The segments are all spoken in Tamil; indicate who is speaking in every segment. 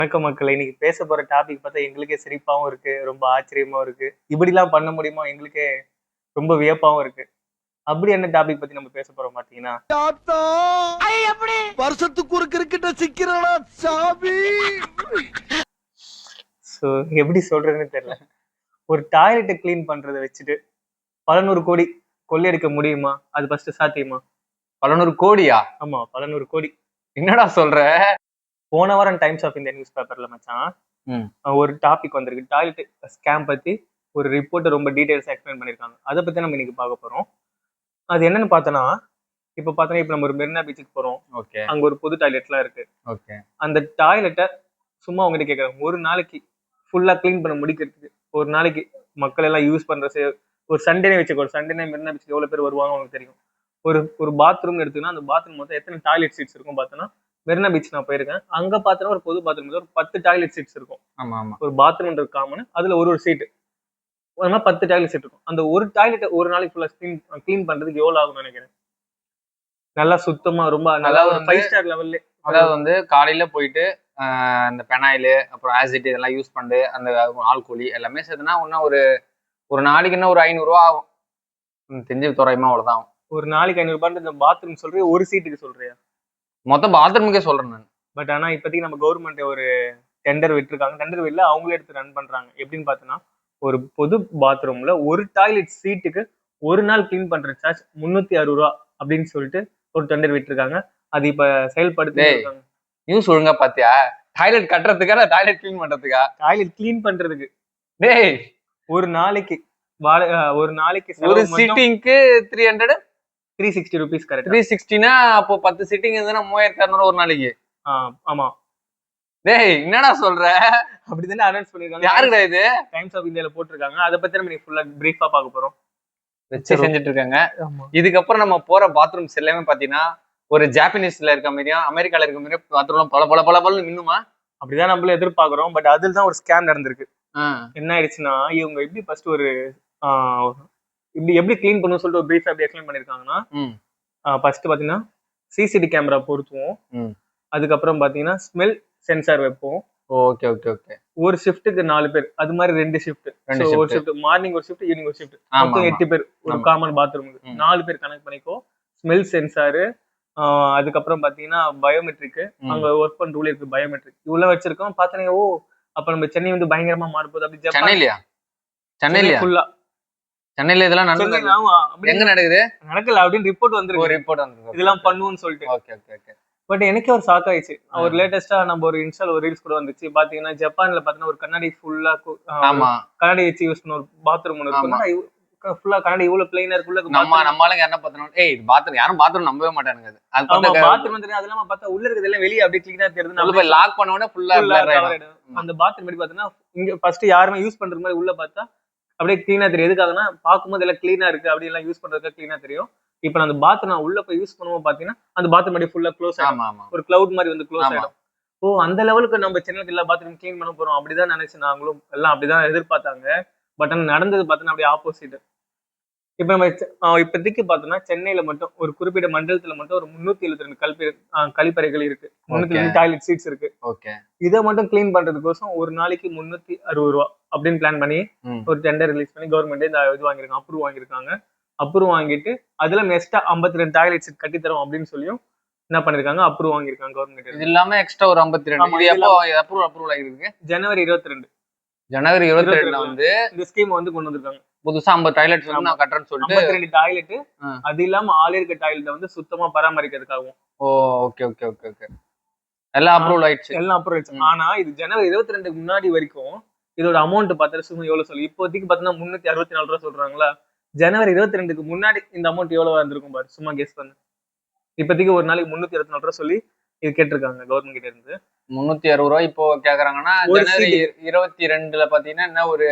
Speaker 1: வணக்கம் மக்களை. இன்னைக்கு பேச போற டாபிக் பார்த்தா எங்களுக்கே சிரிப்பாவும் இருக்கு, ரொம்ப ஆச்சரியமாவும் இருக்கு. இப்படிலாம் பண்ண முடியுமா எங்களுக்கே ரொம்ப வியப்பாவும் இருக்கு. அப்படி என்ன டாபிக் பத்தி நம்ம பேச போறோம் பாத்தீங்கன்னா,
Speaker 2: வருஷத்துக்கு ஒரு கிரிக்கெட்ட சிக்கிறடா சாமி.
Speaker 1: ஸோ எப்படி சொல்றதுன்னு தெரியல. ஒரு டாய்லெட்டை கிளீன் பண்றதை வச்சுட்டு 1100 கோடி கொள்ளையடிக்க முடியுமா? அது ஃபர்ஸ்ட் சாத்தியமா?
Speaker 3: 1100 கோடியா?
Speaker 1: ஆமா, 1100 கோடி.
Speaker 3: என்னடா சொல்ற?
Speaker 1: போன வாரம் டைம்ஸ் ஆஃப் இந்தியா நியூஸ் பேப்பர்ல மச்சான் ஒரு டாபிக் வந்திருக்கு. டாய்லெட் ஸ்கேம் பத்தி ஒரு ரிப்போர்ட் ரொம்ப டீடைல்ஸ் எக்ஸ்பிளைன் பண்ணிருக்காங்க. அதை பத்தி நம்ம இன்னைக்கு பார்க்க போறோம். அது என்னன்னு பார்த்தோன்னா, இப்ப நம்ம ஒரு மெரினா பீச்சுக்கு போறோம்.
Speaker 3: ஓகே.
Speaker 1: அங்க ஒரு பொது டாய்லெட்லாம் இருக்கு.
Speaker 3: ஓகே.
Speaker 1: அந்த டாய்லெட்டை சும்மா உங்ககிட்ட கேட்கறாங்க, ஒரு நாளைக்கு ஃபுல்லா கிளீன் பண்ண முடிக்கிறதுக்கு ஒரு நாளைக்கு மக்கள் எல்லாம் யூஸ் பண்ற ஒரு சண்டே வச்சுக்கோ. சண்டே மெரினா பீச்சுக்கு எவ்வளவு பேர் வருவாங்க உங்களுக்கு தெரியும். ஒரு பாத்ரூம் எடுத்துன்னா அந்த பாத்ரூம் மொத்தம் எத்தனை டாய்லெட் சீட்ஸ் இருக்கும் பார்த்தோன்னா, மெரினா பீச் நான் போயிருக்கேன். அங்க பார்த்தோன்னா ஒரு பொது பாத்ரூம் ஒரு 10 டாய்லெட் சீட்ஸ் இருக்கும்.
Speaker 3: ஆமா ஆமா.
Speaker 1: ஒரு பாத்ரூம்ன்றது காமன், அதுல ஒரு சீட்டு, ஒரு மாதிரி 10 டாய்லெட் சீட் இருக்கும். அந்த ஒரு டாய்லெட் ஒரு நாளைக்கு ஃபுல்லா கிளீன் பண்றதுக்கு எவ்வளவு ஆகும்னு நினைக்கிறேன்? நல்லா சுத்தமா ரொம்ப நல்லா ஒரு 5 ஸ்டார் லெவல்ல.
Speaker 3: அதாவது வந்து காலையில போயிட்டு இந்த பெனாயிலு அப்புறம் ஆசிட் இதெல்லாம் யூஸ் பண்ணி அந்த ஆல்கோலி எல்லாமே சேர்த்துனா இன்னும் ஒரு நாளைக்கு என்ன ஒரு 500 ரூபா ஆகும். தெரிஞ்சு தோராயமா அவ்வளவுதான் ஆகும்.
Speaker 1: ஒரு நாளைக்கு 500 ரூபாய். இந்த பாத்ரூம் சொல்றியா ஒரு சீட்டுக்கு சொல்றியா?
Speaker 3: மொத்தம் பாத்ரூமுக்கே சொல்றேன் நான்.
Speaker 1: பட் ஆனா இப்போதைக்கு நம்ம கவர்மெண்ட் ஒரு டெண்டர் விட்டுருக்காங்க. டெண்டர் வில்ல அவங்களே எடுத்து ரன் பண்றாங்க. எப்படின்னு பார்த்தோன்னா, ஒரு பொது பாத்ரூம்ல ஒரு டாய்லெட் சீட்டுக்கு ஒரு நாள் கிளீன் பண்ற சார்ஜ் 360 ரூபா அப்படின்னு சொல்லிட்டு ஒரு டெண்டர் விட்டுருக்காங்க. அது இப்ப செயல்படுத்தி
Speaker 3: நியூஸ் ஒழுங்கா பாத்தியா? டாய்லெட் கட்டுறதுக்கா இல்ல டாய்லெட் கிளீன் பண்றதுக்கா?
Speaker 1: டாய்லெட் கிளீன் பண்றதுக்கு.
Speaker 3: டேய்,
Speaker 1: ஒரு நாளைக்கு
Speaker 3: ஒரு சீட்டிங்க்கு
Speaker 1: 360 rupees. கரெக்ட்.
Speaker 3: 360னா அப்போ 10 சீட்டிங் இருந்ததுன்னா 3600 ஒரு நாளைக்கு.
Speaker 1: ஆமா.
Speaker 3: டேய், என்னடா சொல்ற?
Speaker 1: அப்படிதானே அனௌன்ஸ் பண்ணிருக்காங்க.
Speaker 3: யாருடா இது?
Speaker 1: டைம்ஸ் ஆஃப் இந்தியால போட்டிருக்காங்க. அதை பத்தி நம்ம ஃபுல்லா பிரீஃபா பார்க்க போறோம்.
Speaker 3: வச்சு செஞ்சுட்டு இருக்காங்க. இதுக்கப்புறம் நம்ம போற பாத்ரூம்ஸ் எல்லாமே பாத்தீங்கன்னா ஒரு ஜாப்பனீஸ்ல இருக்க மாதிரியும் அமெரிக்கால இருக்க மாதிரியும் பாத்ரூம் பல மின்னுமா?
Speaker 1: அப்படிதான் நம்மள எதிர்பார்க்கிறோம். பட் அதுல தான் ஒரு ஸ்கேம் நடந்திருக்கு. என்ன ஆயிடுச்சுன்னா, இவங்க எப்படி ஃபர்ஸ்ட் ஒரு எப்படி கிளீன் பண்ணணும்னு சொல்லிட்டு ஒரு பிரீஃபா எப்படி எக்ஸ்பிளைன் பண்ணிருக்காங்கன்னா, ஃபர்ஸ்ட் பாத்தீங்கன்னா சிசிடி கேமரா பொருத்துவோம். அதுக்கப்புறம் பாத்தீங்கன்னா ஸ்மெல் சென்சார் வைப்போம்.
Speaker 3: Okay okay okay.
Speaker 1: ஒரு ஷிஃப்ட்டுக்கு 4 பேர், அது மாதிரி 2 ஷிஃப்ட். ஒரு ஷிஃப்ட் மார்னிங் ஒரு ஷிஃப்ட், ஈவினிங் ஒரு ஷிஃப்ட், மொத்தம் 8 பேர் ஒரு காமன் பாத்ரூமுக்கு. 4 பேர் கனெக்ட் பண்ணிக்கோ. ஸ்மெல் சென்சாரு, அதுக்கப்புறம் பாத்தீங்கன்னா பயோமெட்ரிக், அங்க ஒர்க் பண்ற ரூல் இருக்கு பயோமெட்ரிக், இவ்வளவு வச்சிருக்கோம். பாத்தீங்கன்னா ஓ அப்ப நம்ம சென்னை வந்து பயங்கரமா மாறுபோது. அப்படி
Speaker 3: சென்னையில ஃபுல்லா சென்னையில இதெல்லாம் எங்க நடக்குது
Speaker 1: நடக்கல அப்படின்னு ரிப்போர்ட் வந்திருக்கு. இதெல்லாம் பண்ணுவோம்னு சொல்லிட்டு.
Speaker 3: Okay okay okay.
Speaker 1: பட் எனக்கே ஒரு ஷாக் ஆயிடுச்சு. ஒரு லேட்டஸ்டா நம்ம ஒரு இன்ஸ்டால ஒரு ரீல்ஸ் கூட வந்துச்சு. பாத்தீங்கன்னா ஜப்பான்ல பாத்தீங்கன்னா ஒரு கண்ணாடி ஃபுல்லா கண்ணாடி வச்சு யூஸ் பண்ண ஒரு பாத்ரூம் ஒன்று இருக்கும். ஃபுல்லா கண்ணாடி இவ்வளவு பிளைனா இருக்குள்ள.
Speaker 3: நம்மளுங்க என்ன பார்த்தோம், ஏய் பாத்ரூம் யாரும் பாத்ரூம் நம்பவே மாட்டானுங்க. அது
Speaker 1: பாத்ரூம் வந்து அதெல்லாம் பார்த்தா உள்ள இருக்கிறது எல்லாம் வெளியே அப்படியே கிளீனா தெரியுது.
Speaker 3: நம்ம போய் லாக் பண்ண உடனே ஃபுல்லா
Speaker 1: அந்த பாத்ரூம் எப்படி பார்த்தீங்கன்னா இங்க ஃபர்ஸ்ட் யாருமே யூஸ் பண்றது மாதிரி உள்ள பார்த்தா அப்படியே கிளீனா தெரியும். எதுக்காகனா பார்க்கும்போது எல்லாம் கிளீனா இருக்கு, அப்படி எல்லாம் யூஸ் பண்றதுக்கு கிளீனா தெரியும். இப்ப அந்த பாத்ரூம் நான் உள்ள போய் யூஸ் பண்ணுவோம் பாத்தீங்கன்னா அந்த பாத்ரூம் அப்படியே ஃபுல்லா க்ளோஸ் ஆகும். ஒரு கிளவுட் மாதிரி வந்து க்ளோஸ் ஆயிடும். ஓ அந்த லெவலுக்கு நம்ம சென்னைக்கு எல்லா பாத்ரூம் கிளீன் பண்ண போறோம் அப்படிதான் நினைச்சு நாங்களும் எல்லாம் அப்படிதான் எதிர்பார்த்தாங்க. பட் நடந்தது பார்த்தோன்னா அப்படியே ஆப்போசிட். இப்ப நம்ம இப்போதைக்கு பார்த்தோம்னா சென்னையில மட்டும் ஒரு குறிப்பிட்ட மண்டலத்துல மட்டும் ஒரு 372 கழிப்பறைகள் இருக்கு. 302 டாய்லெட் சீட்ஸ் இருக்கு. இதை மட்டும் கிளீன் பண்றதுக்கோசம் ஒரு நாளைக்கு 360 ரூபா அப்படின்னு பிளான் பண்ணி ஒரு டெண்டர் ரிலீஸ் பண்ணி கவர்மெண்ட் இந்த இது வாங்கியிருக்காங்க, அப்ரூவ் வாங்கியிருக்காங்க. அப்ரூவ் வாங்கிட்டு அதுல எக்ஸ்ட்ரா 52 டாய்லெட் சீட் கட்டி தரோம் அப்படின்னு சொல்லியும் என்ன பண்ணிருக்காங்க, அப்ரூவ் வாங்கியிருக்காங்க கவர்மெண்ட்.
Speaker 3: இது இல்லாம எக்ஸ்ட்ரா ஒரு 52 அப்ரூவல் ஆகிருக்கு.
Speaker 1: ஜனவரி 22
Speaker 3: வந்து
Speaker 1: இந்த ஸ்கீம் வந்து கொண்டு வந்திருக்காங்க.
Speaker 3: புதுசா 50 டாய்லெட் நான் கட்டுறேன்னு சொல்லிட்டு
Speaker 1: 52 டாய்லெட். அது இல்லாம ஆள் இருக்க டாய்லெட் வந்து சுத்தமா பராமரிக்கிறதுக்காகவும்.
Speaker 3: Okay okay okay okay. எல்லாம் அப்ரூவல் ஆயிடுச்சு.
Speaker 1: ஆனா இது ஜனவரி 22 முன்னாடி வரைக்கும் இதோட அமௌண்ட் பார்த்தா சும்மா எவ்வளவு சொல்லு. இப்போதைக்கு பாத்தீங்கன்னா 364 ரூபா சொல்றாங்களா. ஜனவரி 22க்கு முன்னாடி இந்த அமௌண்ட் எவ்வளவு இருந்திருக்கும் பாரு, சும்மா கெஸ் பண்ணு. இப்போதைக்கு ஒரு நாளைக்கு 364 ரூபா சொல்லி இது கேட்டிருக்காங்க கவர்மெண்ட் கிட்ட இருந்து.
Speaker 3: 360 ரூபாய் இப்போ கேக்குறாங்கன்னா ஜனவரி 22ல பாத்தீங்கன்னா என்ன ஒரு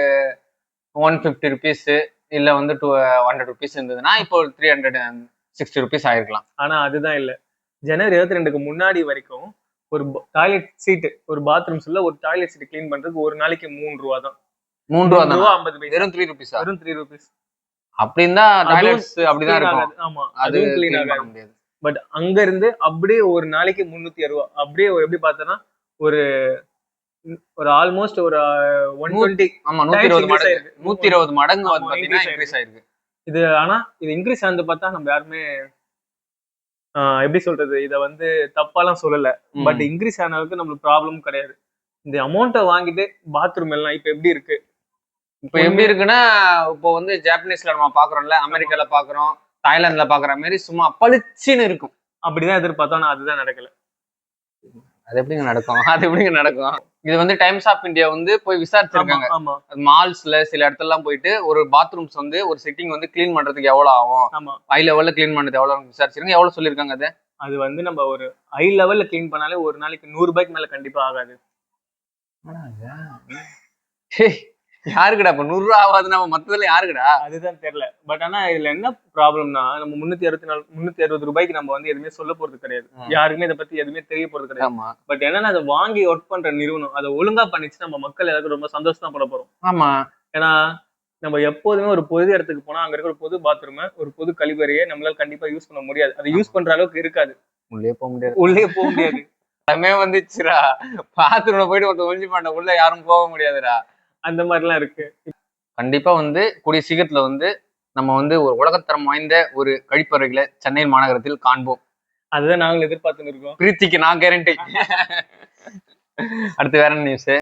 Speaker 3: 150 ருபீஸ் இல்ல வந்து 100 ருபீஸ் இருந்ததுன்னா இப்போ 360 ருபீஸ் ஆயிருக்கலாம்.
Speaker 1: ஆனா அதுதான் இல்ல. ஜனவரி 22க்கு முன்னாடி வரைக்கும் ஒரு டாய்லெட் சீட், ஒரு பாத்ரூம் சொல்ல ஒரு டாய்லெட் சீட் கிளீன் பண்றதுக்கு ஒரு நாளைக்கு 3 ரூபா தான்.
Speaker 3: 3 ரூபா 50 பைசா. வெறும் 3 ருபீஸ்.
Speaker 1: வெறும் 3 ருபீஸ்.
Speaker 3: அப்படின்னா டாய்லெட்ஸ் அப்படிதான் இருக்கும்.
Speaker 1: ஆமா, அது கிளீன் ஆக முடியாது. பட் அங்க இருந்து அப்படியே ஒரு நாளைக்கு 360 ரூபா அப்படியே எப்படி பார்த்தனா ஒரு ஒரு ஆல்மோஸ்ட் ஒரு 120.
Speaker 3: ஆமா
Speaker 1: Times
Speaker 3: 120
Speaker 1: increase
Speaker 3: மடங்கு
Speaker 1: ஆயிருக்கு.
Speaker 3: 120 மடங்கு வந்து
Speaker 1: ஆமா,
Speaker 3: பாத்தீங்கன்னா
Speaker 1: increase
Speaker 3: இன்க்ரீஸ் ஆயிருக்கு.
Speaker 1: இது ஆனா இது இன்க்ரீஸ் ஆனது பார்த்தா நம்ம யாருமே எப்படி சொல்றது, இத வந்து தப்பாலாம் சொல்லல. பட் இன்க்ரீஸ் ஆன அளவுக்கு நம்மளுக்கு ப்ராப்ளம் கிடையாது. இந்த அமௌண்ட்டை வாங்கிட்டு பாத்ரூம் எல்லாம் இப்ப எப்படி இருக்கு?
Speaker 3: இப்ப எப்படி இருக்குன்னா, இப்போ வந்து ஜாப்பனீஸ்ல நம்ம பாக்குறோம்ல, அமெரிக்கால பாக்குறோம், தாய்லாந்துல பாக்குற மாதிரி சும்மா பளிச்சுன்னு இருக்கும்.
Speaker 1: அப்படிதான் எதிர்பார்த்தோம், ஆனா அதுதான் நடக்கல.
Speaker 3: அது எப்படிங்க நடக்கும்? அது எப்படிங்க நடக்கும்? இது வந்து டைம்ஸ் ஆஃப் இந்தியா வந்து போய் விசாரிச்சிருக்காங்க.
Speaker 1: ஆமா
Speaker 3: மால்ஸ்ல சில இடத்துலலாம் போயிட்டு ஒரு பாத்ரூம்ஸ் வந்து ஒரு சிட்டிங் வந்து கிளீன் பண்றதுக்கு எவ்வளவு ஆகும்,
Speaker 1: ஆமா
Speaker 3: ஹை லெவல்ல கிளீன் பண்றது எவ்வளவு விசாரிச்சிருக்காங்க. எவ்வளவு சொல்லிருக்காங்க அது?
Speaker 1: அது வந்து நம்ம ஒரு ஹை லெவல்ல கிளீன் பண்ணாலே ஒரு நாளைக்கு 100 ரூபாய்க்கு மேல கண்டிப்பா ஆகாது.
Speaker 3: யாருக்குடா இப்ப 100 ரூபா ஆகாது? நம்ம மத்ததுல யாருக்குடா?
Speaker 1: அதுதான் தெரியல. பட் ஆனா இதுல என்ன ப்ராப்ளம்னா, நம்ம 360 ரூபாய்க்கு நம்ம வந்து எதுவுமே சொல்ல போறது கிடையாது. யாருக்குமே இதை பத்தி எதுவுமே தெரிய போறது கிடையாது.
Speaker 3: ஆமா
Speaker 1: பட் என்னன்னா அதை வாங்கி ஒர்க் பண்ற நிறுவனம் அதை ஒழுங்கா பண்ணிச்சு, நம்ம மக்கள் எல்லாருக்கும் ரொம்ப சந்தோஷம் தான் பட போறோம்.
Speaker 3: ஆமா.
Speaker 1: ஏன்னா நம்ம எப்போதுமே ஒரு பொது இடத்துக்கு போனா அங்க இருக்கிற ஒரு பொது பாத்ரூம், ஒரு பொது கழிவறையை நம்மளால கண்டிப்பா யூஸ் பண்ண முடியாது. அதை யூஸ் பண்ற அளவுக்கு இருக்காது.
Speaker 3: உள்ளே போக முடியாது.
Speaker 1: உள்ளே போக முடியாது.
Speaker 3: எல்லாமே வந்துச்சுடா. பாத்ரூம்ல போயிட்டு ஒருத்தர் ஒழிஞ்சு பண்ண உள்ள யாரும் போக முடியாதுடா.
Speaker 1: அந்த மாதிரிலாம் இருக்கு.
Speaker 3: கண்டிப்பா வந்து கூடிய சீக்கிரத்துல வந்து நம்ம வந்து ஒரு உலகத்தரம் வாய்ந்த ஒரு கழிப்பறைகளை சென்னை மாநகரத்தில் காண்போம்.
Speaker 1: அதுதான் நாங்களும் எதிர்பார்த்துன்னு இருக்கோம்.
Speaker 3: பிரீத்திக்கு நான் கேரண்டி. அடுத்து வேற நியூஸ்.